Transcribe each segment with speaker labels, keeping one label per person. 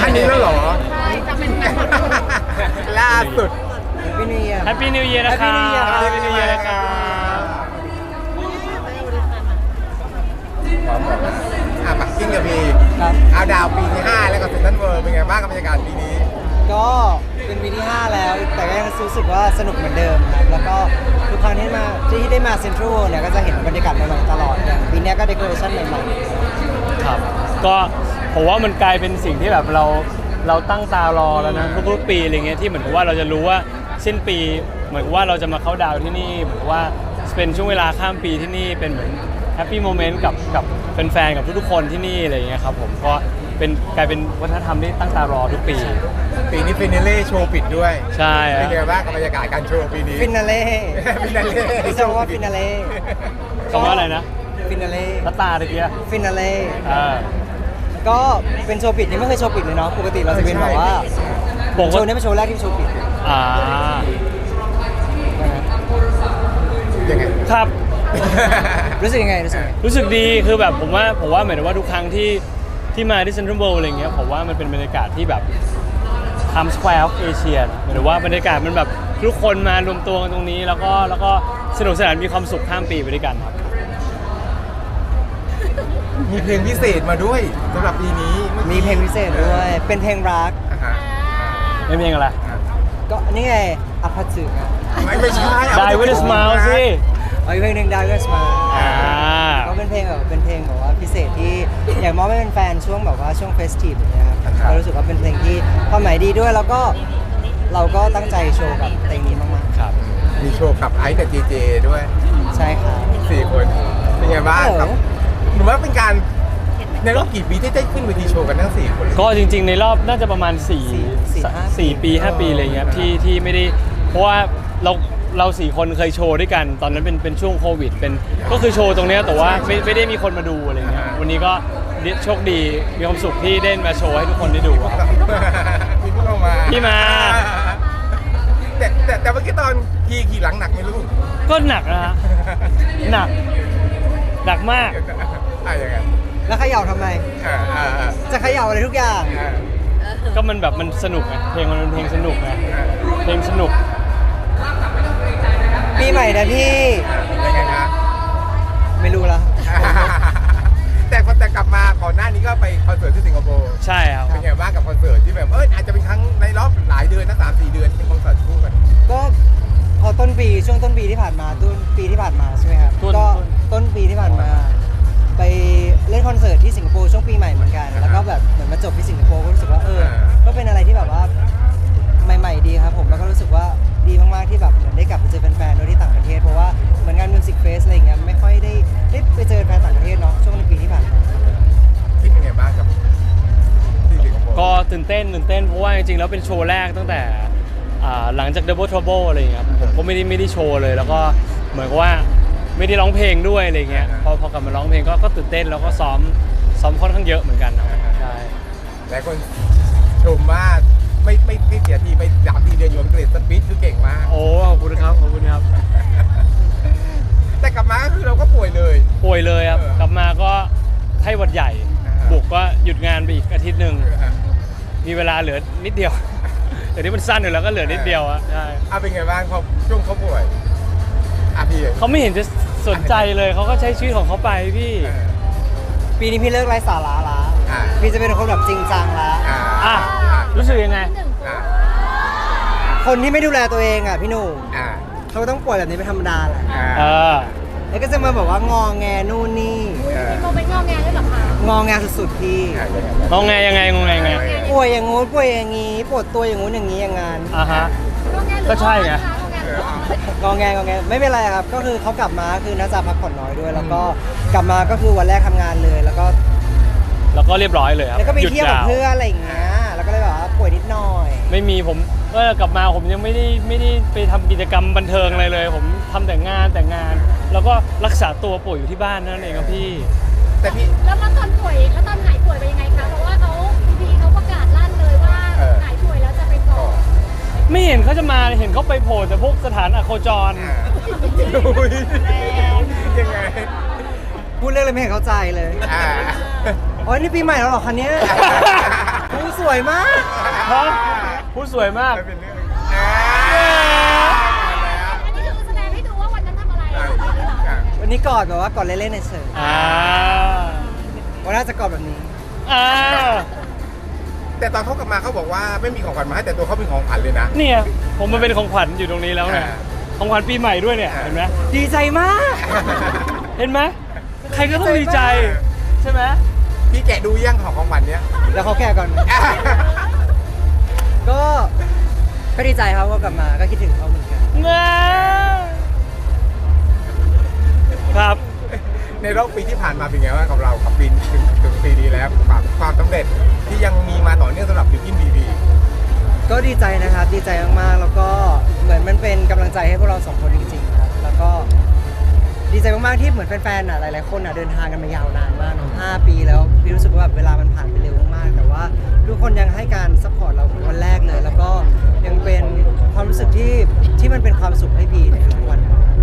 Speaker 1: านนี้แล้วเหรอ
Speaker 2: ใช่จะเป็นงานหมด
Speaker 1: ล่าสุด
Speaker 3: พี่นิวเยียร์
Speaker 4: แฮปปี้นิวเยียร์นะครับ
Speaker 3: Happy New Year
Speaker 4: แฮปปี้นิวเยียร์นะครับ
Speaker 1: ปักกิ้งกับพี
Speaker 3: ครับ
Speaker 1: เอาดาวปีที่ 5 แล้วก็เซ็นทรัลเวิลด์เป็นไงบ้างกับบรรยากาศปีนี้
Speaker 3: ก็เป็นปีที่ 5 แล้ว แต่ก็ยังรู้สึกว่าสนุกเหมือนเดิมครับ แล้วก็ทุกครั้งที่ได้มาเซ็นทรัลเนี่ยก็จะเห็นบรรยากาศใหม่ๆตลอดอย่างปีนี้ก็เดคอเรชั่นใหม่
Speaker 4: ครับก็ผมว่ามันกลายเป็นสิ่งที่แบบเราตั้งตารอแล้วนะทุกๆปีอะไรเงี้ยที่เหมือนกับว่าเราจะรู้ว่าสิ้นปีเหมือนกับว่าเราจะมาเข้าดาวน์ที่นี่เหมือนกับว่าเป็นช่วงเวลาข้ามปีที่นี่เป็นเหมือนแฮปปี้โมเมนต์กับแฟนๆกับทุกๆคนที่นี่อะไรเงี้ยครับผมก็กลายเป็นวัฒนธรรมที่ตั้งตารอทุกปี
Speaker 1: ปีนี้ฟินาเล่โชว์ปิดด้วย
Speaker 4: ใช่
Speaker 1: เป็นไงบ้างกับบรรยากาศการโชว์ปีนี้
Speaker 3: ๆฟินาเล่
Speaker 1: ฟินาเล่
Speaker 3: พี่จะว่าฟินาเล่
Speaker 4: คำว่าอะไรนะ
Speaker 3: ฟินาเล่
Speaker 4: ตาตาตะเกีย
Speaker 3: ฟินาเล่
Speaker 4: อ่า
Speaker 3: ก็เป็นโชว์ปิดนี่ไม่เคยโชว์ปิดเลยเนาะปกติเราจะเป็นแบบว่า
Speaker 4: ผม
Speaker 3: โชว์นี้เป็นโชว์แรกที่โชว์ปิด
Speaker 4: อ่า
Speaker 1: ยังไง
Speaker 4: ครับ
Speaker 3: รู้สึกยังไงรู้สึกยังไง
Speaker 4: รู้สึกดีคือแบบผมว่าเหมือนว่าทุกครั้งที่มาที่เซ็นทรัลเวิลด์อะไรเงี้ยผมว่ามันเป็นบรรยากาศที่แบบ Times Square of Asia นะหมายถึงว่าบรรยากาศมันแบบทุกคนมารวมตัวกันตรงนี้แล้วก็สนุกสนานมีความสุขข้ามปีไปด้วยกันครับ
Speaker 1: มีเพลงพิเศษมาด้วยสำหรับปีนี้
Speaker 3: มีเพลงพิเศษด้วย เป็นเพลงรัก
Speaker 1: อ่าฮะ
Speaker 4: ไม่มีอะไร
Speaker 3: ก็นี่ไงอภัสึกอะ
Speaker 1: ไม่ใช่
Speaker 4: Die with a smile สิ
Speaker 3: เอาอีกเพลงหนึ่งดาวเวสมา
Speaker 4: อ่า
Speaker 3: ก็เป็นเพลงแบบว่าพิเศษที่อยากมอบให้เป็นแฟนช่วงแบบว่าช่วงเฟสทีฟอย่างเงี้ยครับก็รู้สึกว่าเป็นเพลงที่ความหมายดีด้วยแล้วก็เราก็ตั้งใจโชว์กับเพลงนี้มาก
Speaker 4: ครับ
Speaker 1: มีโชว์กับไอซ์กับเจเจด้วย
Speaker 3: ๆ ใช่ครับ
Speaker 1: 4 คนเป็นไงบ้างครับ
Speaker 3: เออ
Speaker 1: หนูว่าเป็นการในรอบกี่ปีที่ได้ขึ้นเวทีโชว์กันทั้ง 4 คน
Speaker 4: ก็จริงๆในรอบน่าจะประมาณ4 ปี5 ปีอะไรเงี้ยที่ไม่ได้เพราะว่าเรา4 คนเคยโชว์ด้วยกัน ตอนนั้นเป็นช่วงโควิดก็คือโชว์ตรงเนี้ยแต่ว่าไม่ได้มีคนมาดูอะไรเงี้ยวันนี้ก็โชคดีมีความสุขที่ได้มาโชว์ให้ทุกคนได้ดูครับ
Speaker 1: มีพวกเรามา
Speaker 4: พี่มา
Speaker 1: แต่เมื่อกี้ตอนขี่หลังหนักไหมลูก
Speaker 4: ก็หนักนะฮะหนักมาก
Speaker 1: ยังไง
Speaker 3: แล้วเขย่าทำไม จะเขย่าอะไรทุกอย่าง
Speaker 4: ก็มันแบบมันสนุกไงเพลงมันเป็นเพลงสนุกไงเพลงสนุก
Speaker 3: ปีใหม่นะพี่
Speaker 1: ยังไงนะ
Speaker 3: ไม่รู้ละ
Speaker 1: แต่กลับมาก่อนหน้านี้ก็ไปคอนเสิร์ตที่สิงคโปร์
Speaker 4: ใช่ครับ
Speaker 1: เป็นไงบ้างกับคอนเสิร์ตที่แบบอาจจะเป็นครั้งในรอบหลายเดือนนะ3-4 เดือนที่เป็นคอนเสิร์ตคู่กัน
Speaker 3: ก็พอช่วงต้นปีที่ผ่านมาใช่ไหมครับก็ต้นปีที่ผ่านมา ไปเล่นคอนเสิร์ตที่สิงคโปร์ช่วงปีใหม่เหมือนกัน แล้วก็แบบเหมือนมาจบที่สิงคโปร์ก็รู้สึกว่าก็เป็นอะไรที่แบบว่าใหม่ๆดีครับผมแล้วก็รู้สึกว่าดีมากๆที่แบบเหมือนได้กลับไปเจอแฟนๆโดยที่ต่างประเทศเพราะว่าเหมือนงานมิวสิกเฟสอะไรอย่างเงี้ยไม่ค่อยได้ไปเจอแฟนต่างประเทศเนาะช่วงในปีที่ผ่านมา
Speaker 1: คิดยังไงบ้างกับที่สิงคโปร์
Speaker 4: ก็ตื่นเต้นเพราะว่าจริงๆแล้วเป็นโชว์แรกตั้งแต่หลังจาก Double Trouble อะไรอย่างเงี้ยครับผมก็ไม่ได้โชว์เลยแล้วก็เหมือนกับว่าไม่ได้ร้องเพลงด้วยอะไรเงี้ยพอกลับมาร้องเพลงก็ตื่นเต้นแล้วก็ซ้อมค่อนข้างเยอะเหมือนกันนะครับใช่
Speaker 1: หลายคนชมว่าไม่เสียทีไป3-4 เดือนอยู่อังกฤษสปีดคือเก่งมาก
Speaker 4: โอ้ขอบคุณครับ
Speaker 1: แต่กลับมาก็คือเราก็ป่วยเลย
Speaker 4: ป่วยเลยครับกลับมาก็ไข้หวัดใหญ่ บุกก็หยุดงานไปอีกอาทิตย์หนึ่งมีเวลาเหลือนิดเดียวแต่ที่มันสั้นอยู่แล้วก็เหลือนิดเดียวอะใช่
Speaker 1: เป็นไงบ้างพอช่วงเขาป่วยพี่
Speaker 4: เขาไม่เห็นจะสนใจเลยเขาก็ใช้ชีวิตของเขาไปพี่
Speaker 3: ปีนี้พี่เลิกไร้สาระละพี่จะเป็นคนแบบจริงจังละ
Speaker 4: อ่ะรู้สึกยังไง
Speaker 3: คนที่ไม่ดูแลตัวเองอ่ะพี่หนุ่ม
Speaker 1: อ่า
Speaker 3: เขาต้องป่วยแบบนี้เป็นธรรมดาแหละ
Speaker 4: เออ
Speaker 3: แล้วก็จะมาแบบว่างอแงนู่นนี่
Speaker 2: มีโมเมนต์งอแงด้วยเหรอคะ
Speaker 3: งอแงสุดๆพี่
Speaker 4: งงไงยังไง
Speaker 3: ป่วยอย่างงู้นป่วยอย่างงี้ปวดตัวอย่างงู้นอย่างงี้อย่างงาน
Speaker 4: อ่ะฮะ
Speaker 2: งอแงหรือ
Speaker 4: ก็ใช่ไง
Speaker 3: งอแงไม่เป็นไรครับ ก็คือเขากลับมาคือน่าจะพักผ่อนน้อยด้วย แล้วก็กลับมาก็คือวันแรกทำงานเลย แล้วก็
Speaker 4: เรียบร้อยเลยครับ
Speaker 3: แล้วก็ไป
Speaker 4: หยุด
Speaker 3: เที่ยวกับ
Speaker 4: าว
Speaker 3: เพื่อนอะไรอย่างเงี้ยแล้วก็เลยแบบว่าป่วยนิดหน่อย
Speaker 4: ไม่มีผมก็กลับมาผมยังไม่ได้ไปทำกิจกรรมบันเทิงอะไรเลย ผมทำแต่งานแล้วก็รักษาตัวป่วยอยู่ที่บ้านนั่นเองครับพี่
Speaker 1: แต่พี่
Speaker 2: แล้วตอนหายป่วยเป็นยังไงคะเพราะว่าพีเขาประกาศลั่นเลยว่าหายป่วยแล้วจะไปก่อน
Speaker 4: ไม่เห็นเขาจะมาเห็นเขาไปโผล่แต่พวกสถานอโคจร
Speaker 1: อุ๊ยยังไง
Speaker 3: พูดเรื่องอะไรไม่เห็นเข้าใจเลย
Speaker 1: อ่า
Speaker 3: อ๋อนี่ปีใหม่แล้วเหรอคะเนี้ย ผู้สวยวยมาก
Speaker 4: ฮะพูดสวยมาก
Speaker 1: ไม่เป็นเรื่อง
Speaker 2: อันนี้คือแสดงให้ดูว่าวันนั้นทำอะไรหรือเปล่า
Speaker 3: วันนี้กอดแบบว่ากอดเล่นๆในเสิร์ฟ
Speaker 4: อ่า
Speaker 3: วันน่าจะกอดแบบนี้
Speaker 4: อ่า
Speaker 1: แต่ตอนเขากลับมาเขาบอกว่าไม่มีของขวัญมาให้แต่ตัวเขาเป็นของขวัญเลยนะ
Speaker 4: เนี่ยผมมาเป็นของขวัญอยู่ตรงนี้แล้วเนี่ย
Speaker 1: อ่า
Speaker 4: ของขวัญปีใหม่ด้วยเนี่ยเห็นไหม
Speaker 3: ดีใจมาก
Speaker 4: เห็นไหมใครก็ต้องดีใจใช่ไหม
Speaker 1: พี่แกะดูยังของขวัญเนี้ย
Speaker 3: แล้วเขาแก่ก่อน ก็ดีใจครับว่ากลับมาก็คิดถึงเขาเหมือนกัน
Speaker 4: เงาครับ
Speaker 1: ในรอบปีที่ผ่านมาเป็นไงบ้างกับเรากับปีถึงปีนี้แล้วความสำเร็จที่ยังมีมาต่อเนื่องสำหรับบิวกิ้นบีบี
Speaker 3: ก็ดีใจนะครับดีใจมากๆแล้วก็เหมือนมันเป็นกำลังใจให้พวกเราสองคนจริงๆครับแล้วก็ดีใจมากๆที่เหมือนแฟนๆหลายๆคนเดินทางกันมายาวนานมาก5 ปีแล้วพี่รู้สึกว่าแบบเวลามันผ่านไปเร็วมากๆแต่ว่าทุกคนยังให้การซัพพอร์ตเราวันแรกเลย แล้วก็ยังเป็นความรู้สึกที่มันเป็นความสุขให้พี่ในทุกวัน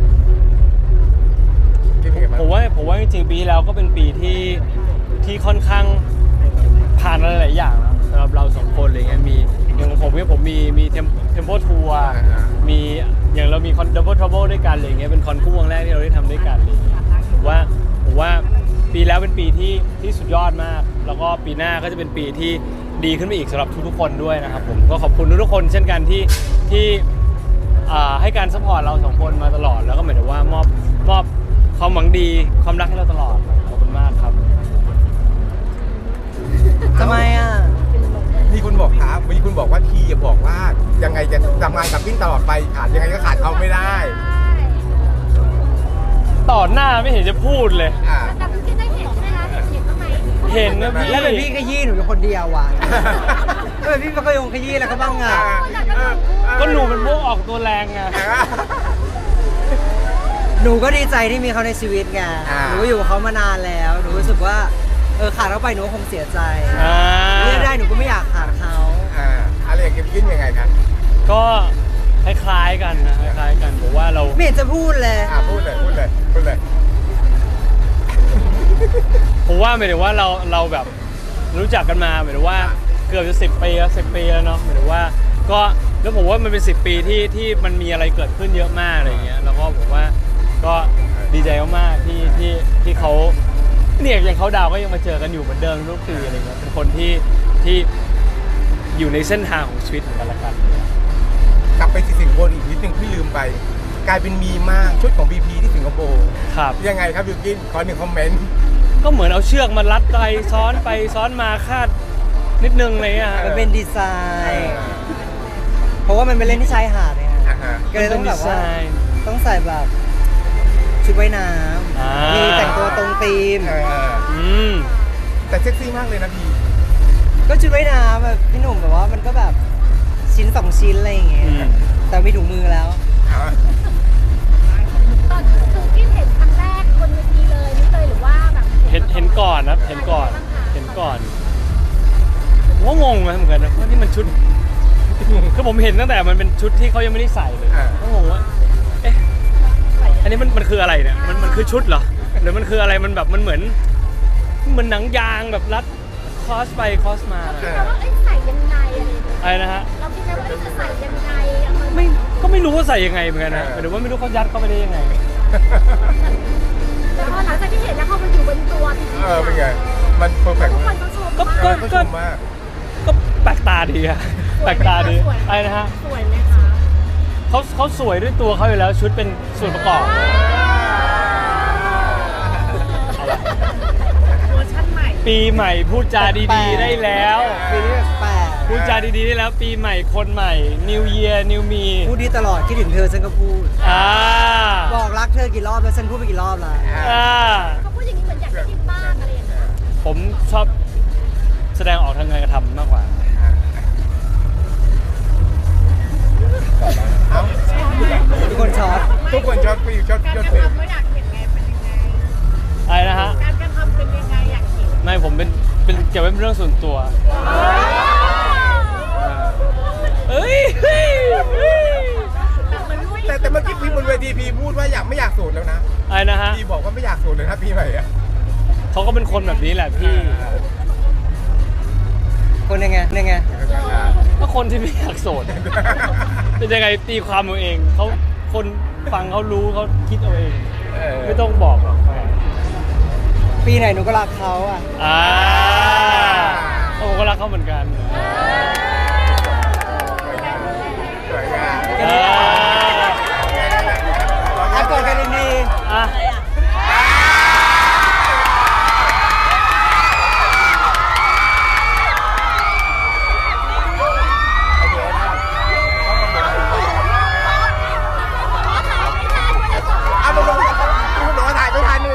Speaker 4: ผมว่าจริงๆปีที่แล้วก็เป็นปีที่ค่อนข้างผ่านอะไรหลายอย่างนะสำหรับเราสองคนอะไรเงี้ยมีอย่างผมมีเทมโพทัวร์มีอย่างเรามีคอนดับเบิลทรัเบิลด้วยกันอะไรเงี้ยเป็นคอนคู่วงแรกที่เราได้ทำด้วยกันอะไรเงี้ยผมว่าปีแล้วเป็นปีที่สุดยอดมาก แล้วก็ปีหน้าก็จะเป็นปีที่ดีขึ้นไปอีกสำหรับทุกๆคนด้วยนะครับผมก็ขอบคุณทุกๆคนเช่นกันที่ให้การซัพพอร์ตเราสองคนมาตลอดแล้วก็หมายถึงว่ามอบความหวังดีความรักให้เราตลอดขอบคุณมากครับ
Speaker 3: ทำไมอ่ะ
Speaker 1: มีคุณบอกครับมีคุณบอกว่าทีอย่าบอกว่ายังไงจะทำงานกับกิ้นตลอดไปขาดยังไงก็ขาดเขาไม่ได้
Speaker 4: ต่อหน้าไม่เห็นจะพูดเลย
Speaker 2: แต่คุณคิดได้เห็นใช่ไหมคะเห็นบ้างไหม
Speaker 4: เห็นนะพี่
Speaker 3: แล้วเป็นพี่ขยี้หนูอยู่คนเดียวว่ะแล้วเป็นพี่ก็ยงขยี้แล้วก็บ้างอ่ะ
Speaker 4: ก็หนูเป็นพวกออกตัวแรงไง
Speaker 3: หนูก็ดีใจที่มีเขาในชีวิตไงหนูก็อยู่กับเขามานานแล้วหนูรู้สึกว่าขาดเขาไปหนูก็คงเสียใจเลือกได้หนูก็ไม่อยากขาดเขา
Speaker 1: อะไรอย่างกิ้นยังไงครับ
Speaker 4: ก็คล้ายๆกันนะคล้ายๆกันผมว่าเรา
Speaker 3: ไม่เห็นจะพูดเลย
Speaker 1: พูดเลย
Speaker 4: ผมว่าหมายถึงว่าเราแบบรู้จักกันมาหมายถึงว่าเกือบจะ10 ปีแล้ว10 ปีแล้วเนาะหมายถึงว่าก็แล้วผมว่ามันเป็น10 ปีที่มันมีอะไรเกิดขึ้นเยอะมากอะไรเงี้ยแล้วก็ผมว่าก็ดีใจมากๆที่เขาเนี่ยอย่างเขาดาวก็ยังมาเจอกันอยู่เหมือนเดิมทุกปีอะไรเงี้ยเป็นคนที่อยู่ในเส้นทางของชีวิตของกันและกัน
Speaker 1: กลับไปที่สิงคโปร์อีกนิดนึงที่ลืมไป กลายเป็นมีมากชุดของบีพีที่สิงคโปร์
Speaker 4: ครับ
Speaker 1: ยังไงครับบิวกิ้นขอ1 คอมเมนต์
Speaker 4: ก็เหมือนเอาเชือกมารัดไปซ้อนมาคาดนิดนึงอะไรเลยฮะ
Speaker 3: มันเป็นดีไซน์ เพราะว่ามันเป็นเล่นที่ชายหาดเนี่ย ก็เลยต้องแบบว่าต้องใส่แบบชุดว่ายน้ำมีแต่งตัวตรงธีม
Speaker 1: แต่เซ็กซี่มากเลยนะพี่
Speaker 3: ก็ชุดว่ายน้ำแบบพี่หนุ่มแบบว่ามันก็แบบชิ้น2 ชิ้นอะไรอย่างเงี้ยแต่มีถุงมือแล้ว
Speaker 2: ตอนคือคิดเห็นครั้งแรกบนเวทีเลยนี่เลยหรือว่าแบบ
Speaker 4: เห็นก่อนนะเห็นก่อนผมว่างงนะเหมือนกันนะว่านี่มันชุดคือผมเห็นตั้งแต่มันเป็นชุดที่เขายังไม่ได้ใส่เลยก็งงว่าเอ๊ะอันนี้มันคืออะไรเนี่ยมันคือชุดเหรอหรือมันคืออะไรมันแบบมันเหมือนหนังยางแบบรัดคอสไปคอสมา
Speaker 2: เราคิดว่าใส่ยังไงอะไรอย่างเงี้ย
Speaker 4: อะไรนะฮะ
Speaker 2: เราคิดว่าจะใส่ยังไง
Speaker 4: ไม่รู้ว่าใส่ยังไงเหมือนกันนะหรือว่าไม่รู้เขายัดเข้าไปได้ยังไง
Speaker 2: แล้วพอหลังจากที่เห็นแล้วพอมันอยู่บนตัวจริงๆ
Speaker 1: เป็นไงมันเพอร์เฟกต์
Speaker 2: ทุกคนก็ชม
Speaker 4: ก็
Speaker 2: มาก
Speaker 1: ก็ชมมาก
Speaker 4: ก็แปลกตาดีอะแปลกตาดีอะไรนะฮะ
Speaker 2: สวยไหมคะ
Speaker 4: เขาสวยด้วยตัวเขาอยู่แล้วชุดเป็นส่วนประกอบ
Speaker 2: เวอร์ชั่นใหม่
Speaker 4: ปีใหม่พูดจาดีๆได้แล้ว
Speaker 3: ปีนี้แปลก
Speaker 4: พูดจาดีๆได้แล้วปีใหม่คนใหม่ New Year New Me
Speaker 3: พูดดีตลอดคิดถึงเธอฉันก็พูด
Speaker 4: อ่า
Speaker 3: บอกรักเธอกี่รอบแล้วฉันพูดไปกี่รอบแล้ว
Speaker 4: อ่า
Speaker 2: เขาพูดอย่างนี้เหมือนอยากได้ยินบ้างอะไรอย่างเงี้ย
Speaker 4: ผมชอบแสดงออกทางการกระทำมากกว่า
Speaker 3: ทุกคนช็อต
Speaker 1: ทุกคนชอบฟิลชอบ
Speaker 2: การ
Speaker 1: ชอบ
Speaker 2: กระ
Speaker 1: ฟิล
Speaker 2: ทำไม่อยากเห็นไงเป็นยังไง
Speaker 4: อะไรนะฮะ
Speaker 2: การกระทำเป็นยังไงอยากเห็น
Speaker 4: ไม่ผมเป็นเก็บไว้เป็นเรื่องส่วนตัวเอ้ย
Speaker 1: แต่เมื่อกี้พี่บนเวทีพี่พูดว่าไม่อยากสูตรแล้วนะ
Speaker 4: อะไรนะฮะ
Speaker 1: พี่บอกว่าไม่อยากสูตรเลยนะพี่ใหม่อะ
Speaker 4: เขาก็เป็นคนแบบนี้แหละพี่
Speaker 3: คคนยังไง
Speaker 4: ก็คนที่ไม่อยากโสด เป็นยังไงตีความเอาเองเขาคนฟังเขารู้เขาคิดเอาเอง ไม่ต้องบอกหรอก
Speaker 3: ปีไหนหนูก็รักเขาอ่ะ
Speaker 4: ผมก็รักเขาเหมือนกัน
Speaker 1: สวยงาม
Speaker 3: อ่ะกอดกันดี
Speaker 4: อ่ะ
Speaker 1: เอามาลงคุณบอกว่าถ่ายไม่ทันเลย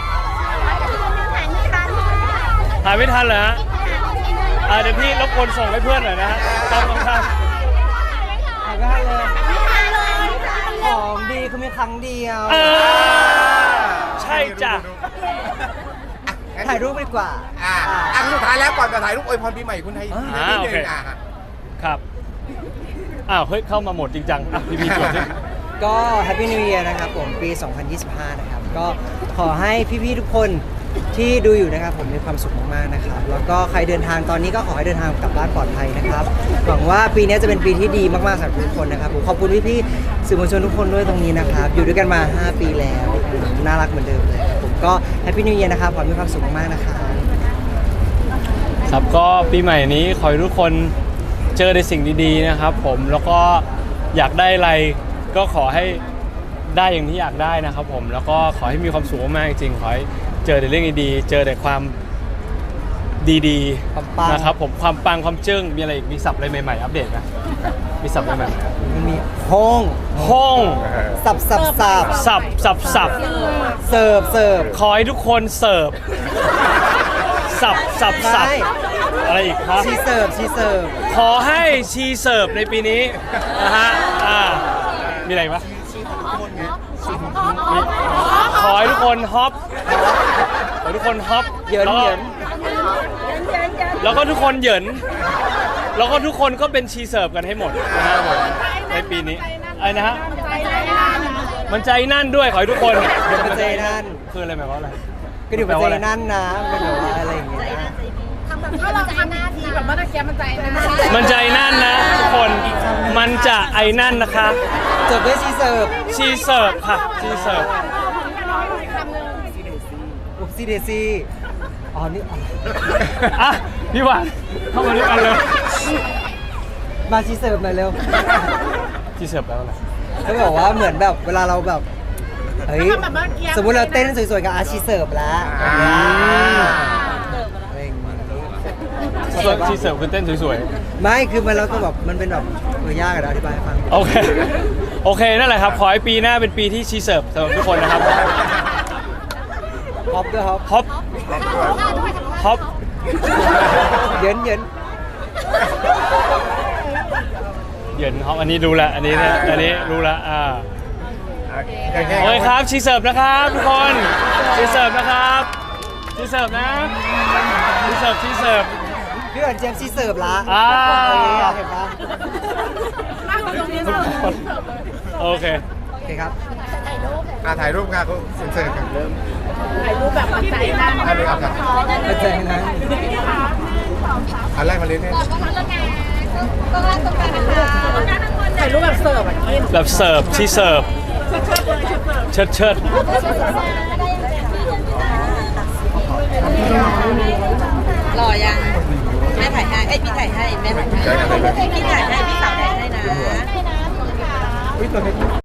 Speaker 4: ถ่ายไม่ทันเหรอฮะเดี๋ยวพี่รบกวนส่งให้เพื่อนหน่อยนะฮะครับครับ
Speaker 3: ๆถ่ายได้เลยของดีคือมีครั้งเดียว
Speaker 4: ใช่จ้ะ
Speaker 3: ถ่ายรูปดีกว่า
Speaker 1: สุดท้ายแล้วก่อนจะถ่ายรูปอวยพรปีใหม่คุณไทยนิดนึง
Speaker 4: ครับ อ้าว เฮ้ย เข้ามาโหมดจริงจังอ่ะพี่จวดสิ
Speaker 3: ก็ Happy New Year นะครับผมปี 2025 นะครับ ก็ขอให้พี่ๆทุกคนที่ดูอยู่นะครับผมมีความสุขมากๆนะครับแล้วก็ใครเดินทางตอนนี้ก็ขอให้เดินทางกลับบ้านปลอดภัยนะครับหวังว่าปีนี้จะเป็นปีที่ดีมากๆสำหรับทุกคนนะครับผมขอบคุณพี่ๆสื่อมวลชนทุกคนด้วยตรงนี้นะครับอยู่ด้วยกันมา 5 ปีแล้วน่ารักเหมือนเดิมเลยครับผมก็ Happy New Year นะครับขอให้มีความสุขมากๆนะครับ
Speaker 4: ครับก็ปีใหม่นี้ขอให้ทุกคนเจอในสิ่งดีๆนะครับผมแล้วก็อยากได้อะไรก็ขอให้ได้อย่างที่อยากได้นะครับผมแล้วก็ขอให้มีความสุขมากๆจริงๆขอให้เจอแต่เรื่องดีๆเจอแต่ความดี
Speaker 3: ความปัง
Speaker 4: ๆนะครับผมความปังความเจิ้งมีอะไรอีกมีศัพท์อะไรใหม่ๆอัปเดตไหมมีศัพท์อะไรใหม่
Speaker 3: มันมีห้อง
Speaker 4: ๆห้อง
Speaker 3: สับ
Speaker 4: สับ
Speaker 3: เสิร์ฟ
Speaker 4: ขอให้ทุกคนเสิร์ฟสับ
Speaker 3: ใช่
Speaker 4: อะไรอีกครับ
Speaker 3: ชีเสิร์ฟ
Speaker 4: ขอให้ชีเสิร์ฟในปีนี้นะฮะมีอะไรอีกวะขอให้ทุกคนฮอปขอให้ทุกคนฮอป
Speaker 3: เหยิน
Speaker 4: แล้วก็ทุกคนเหยินแล้วก็ทุกคนก็เป็นชีเสิร์ฟกันให้หมดนะฮะผมในปีนี้อะไรนะฮะมันใจนั่นด้วยขอให้ทุกคน
Speaker 3: เดี๋ยวมันใจนั่น
Speaker 4: คืออะไรหมายความว่าอะไร
Speaker 3: ก็เดี๋ยวมันใจนั่นนะเป็นแบบว่าอะไรอย่างเงี้ย
Speaker 2: ถ้าเราทำหน้าที่แบบเมื่อกี้มันใจนะ
Speaker 4: มันใจนั่นนะทุกคนมันจะไอ้นั่นนะคะ
Speaker 3: จบด้วยชีเสิร์ฟ
Speaker 4: ชีเสิร์ฟค่ะชีเสิร์ฟ
Speaker 3: อุบซีเดซี่อ๋อนี่อ๋อ
Speaker 4: อ่ะพี่หวานเข้ามาด้วยกันเลย
Speaker 3: มาชีเสิร์ฟหน่อยเร็ว
Speaker 4: ชีเสิร์ฟแล้วอะไร
Speaker 3: เขาบอกว่าเหมือนแบบเวลาเราแบบเฮ้ยสมมุติเราเต้นสวยๆกับอาชีเสิร์ฟแล้วอะไรอย่างเงี้ย
Speaker 4: ชีเสิร์ฟคือเต้นสวย
Speaker 3: ไม่คือมันเราก็แบบมันเป็นแบบยากอะเดี๋ยวอธิบายให้ฟัง
Speaker 4: ๆโอเคโอเคนั่นแหละครับขอให้ปีหน้าเป็นปีที่ชีเสิร์ฟสำหรับทุกคนนะครับ
Speaker 3: ฮอปด้วยฮอป
Speaker 4: ฮอปฮอป
Speaker 3: เยิน
Speaker 4: เหยินฮอปอันนี้รู้ละอันนี้เนี่ยอันนี้รู้ละโอเคครับชีเสิร์ฟนะครับทุกคนชีเสิร์ฟนะครับชีเสิร์ฟนะชีเสิร์ฟชีเสิร์ฟ
Speaker 3: พี่หวานเจมส์ชีเสิร์ฟละ เห็นปะ
Speaker 4: โอเค
Speaker 3: โอเคครับ
Speaker 1: ถ่ายรูปกันก็เซ็นกันเริ่ม
Speaker 2: ถ่ายรูปแบบมันใจนั่น
Speaker 1: อะไรครับ
Speaker 3: มาเจอกันนะ
Speaker 1: อันแรกมาเล่นเนี่ย
Speaker 2: ถ่ายรูปแบบเสิร์ฟอ่ะกิน
Speaker 4: แบบเสิร์ฟชีเสิร์ฟเชิดเชิด
Speaker 5: รอยังแม่ถ่ายให้เอ้ยพี่ถ่ายให้แม่ถ่ายให้พี่ถ่ายให้พี่สาวถ่ายให้นะ
Speaker 1: วิตัวนี้